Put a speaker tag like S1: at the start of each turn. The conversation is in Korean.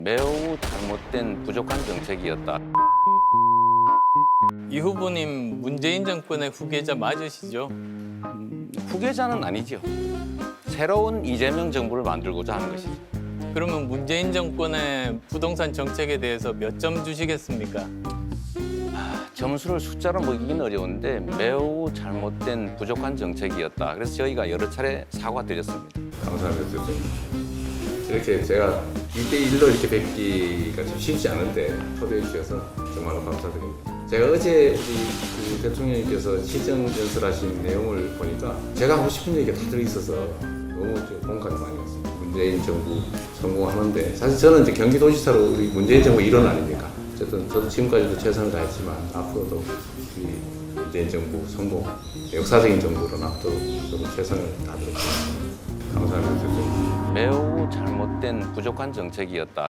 S1: 매우 잘못된 부족한 정책이었다.
S2: 이 후보님 문재인 정권의 후계자 맞으시죠?
S1: 후계자는 아니죠. 새로운 이재명 정부를 만들고자 하는 것이죠.
S2: 그러면 문재인 정권의 부동산 정책에 대해서 몇 점 주시겠습니까?
S1: 점수를 숫자로 먹이긴 어려운데 매우 잘못된 부족한 정책이었다. 그래서 저희가 여러 차례 사과드렸습니다.
S3: 감사합니다. 좀 이렇게 제가 1대1로 이렇게 뵙기가 좀 쉽지 않은데 초대해 주셔서 정말로 감사드립니다. 제가 어제 그 대통령님께서 시정 연설하신 내용을 보니까 제가 하고 싶은 얘기가 다 들어있어서 너무 공감이 많이 왔습니다. 문재인 정부 성공하는데 사실 저는 이제 경기도지사로 우리 문재인 정부 일원 아닙니까? 어쨌든 저도 지금까지도 최선을 다했지만 앞으로도 우리 문재인 정부 성공, 역사적인 정부로 앞으로 저도 최선을 다하도록 하겠습니다. 감사합니다.
S1: 매우 잘못된 부족한 정책이었다.